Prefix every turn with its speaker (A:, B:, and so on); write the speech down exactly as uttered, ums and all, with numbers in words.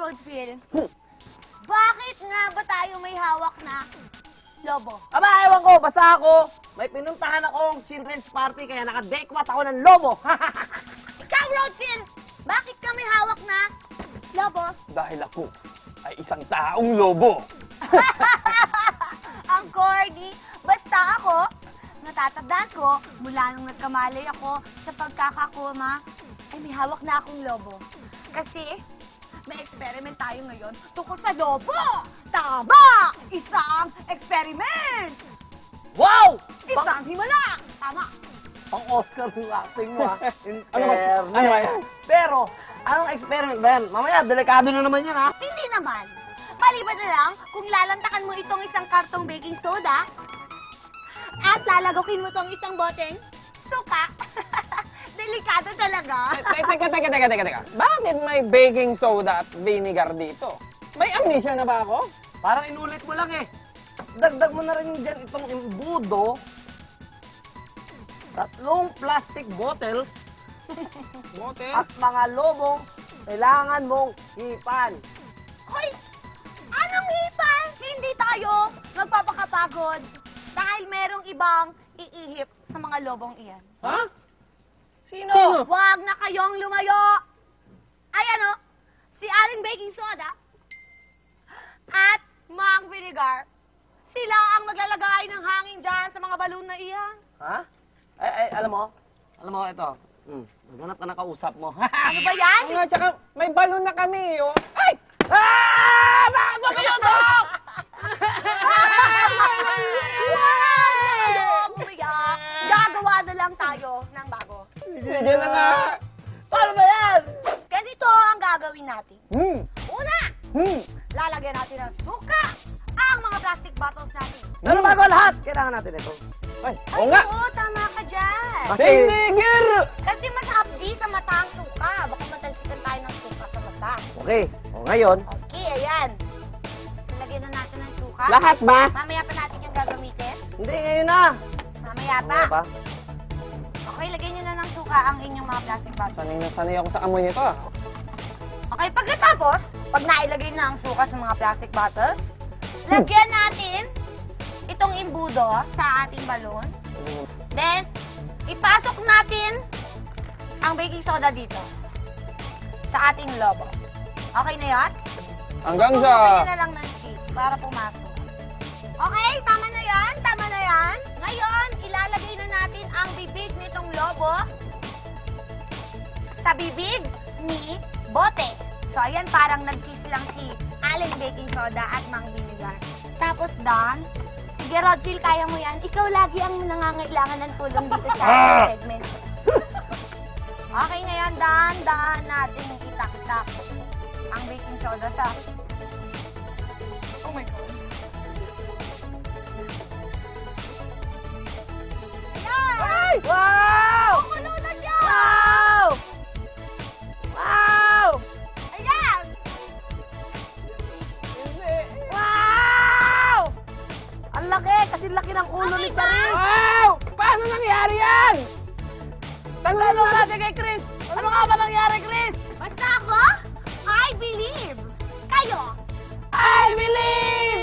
A: Rodfield, bakit nga ba tayo may hawak na lobo?
B: Aba, ewan ko, basta ako, may pinuntahan akong children's party kaya nakadekwat ako ng lobo.
A: Ikaw, Rodfield, bakit ka may hawak na lobo?
C: Dahil ako ay isang taong lobo.
A: Ang corny. Basta ako, natatandaan ko, mula nung nagkamalay ako sa pagkakakoma, ay may hawak na akong lobo. Kasi, may experiment tayo ngayon tungkol sa lobo! Tama! Isang experiment!
B: Wow!
A: Isang himala! Tama!
B: Pang-Oscar yung acting mo, ha? In
C: Ano ba?
B: fairness.
C: Ano ba yan?
B: Pero, anong experiment ba yan? Mamaya, delikado na naman yan, ha?
A: Hindi naman. Maliban na lang kung lalantakan mo itong isang kartong baking soda at lalagokin mo itong isang boteng suka. Delikado talaga.
C: Teka, teka, teka, teka, teka, teka. Bakit may baking soda at vinegar dito? May amnesia na ba ako?
B: Parang inulit mo lang, eh. Dagdag mo na rin dyan itong imbudo. Tatlong plastic bottles
C: Botes?
B: at mga lobong kailangan mong hipan.
A: Hoy! Anong hipan? Hindi tayo magpapakapagod dahil merong ibang iihip sa mga lobong iyan.
C: Ha?
B: Sino?
C: Sino?
A: Huwag na kayong lumayo! Ayan o, si Aring Baking Soda at Mang Vinegar. Sila ang maglalagay ng hangin dyan sa mga balon na iyan.
B: Ha? Ay, ay, alam mo? Alam mo, ito. Hmm, naghanap ka na kausap mo.
A: Ano ba yan?
C: Oo nga, tsaka may balon na kami, oh. Ay!
B: Ah! Bakit mo pinuntok?
A: Umiyak. Gagawa na lang tayo ng bago.
C: Sige na nga.
B: Paano ba yan?
A: Ganito ang gagawin natin.
C: Hmm.
A: Una,
C: Hmm.
A: lalagyan natin ng suka ang mga plastic bottles natin.
B: Pero bago ang lahat, kailangan natin ito.
C: Ay,
A: Ay,
C: oo nga.
A: oo, tama ka dyan.
B: Kasi-
C: Vinegar!
A: Kasi mas hapdi sa mata ang suka. Baka matalsikan tayo ng suka sa mata.
B: Okay, o ngayon,
A: Okay, ayan. So, lagyan na natin ng suka.
C: Lahat ba?
A: Mamaya pa natin yung gagamitin.
B: hindi, ngayon na.
A: Mamaya pa.
B: Ano pa?
A: Okay, lagyan nyo na ng suka ang inyong mga plastic bottles.
C: Sanay na sanay ako sa amoy nito, ah.
A: Okay, pagkatapos, pag nailagay na ang suka sa mga plastic bottles, lagyan natin itong imbudo sa ating balon. Then, ipasok natin ang baking soda dito sa ating lobo. Okay na yan?
C: Hanggang
A: Punutin
C: sa...
A: nyo na lang ng stick para pumasok. Okay, tama na yan, tama na yan. Ngayon, ilalagay na natin ang bibig nitong lobo sa bibig ni bote. So, ayan, parang nag-kiss lang si Allen Baking Soda at Mang Vinegar. Tapos, Dan, sige, Rodfield, kaya mo yan. Ikaw lagi ang nangangailangan ng tulong dito sa ating segment. Okay, ngayon, Dan, dahan natin itak-tak ang baking soda sa...
C: Oh my God.
A: Ayan!
B: Wow!
A: Kukulo na siya!
B: Wow! Wow!
A: Ayan!
C: Hindi.
B: Wow! Ang laki! Kasi laki ng ulo ni
A: Okay ba?
B: Charis!
C: Wow! Paano nangyari yan? Tanong
B: Tanong
C: natin.
B: natin kay Chris! Ano nga ba nangyari, Chris?
A: Basta ako, I believe. Kayo,
C: I believe!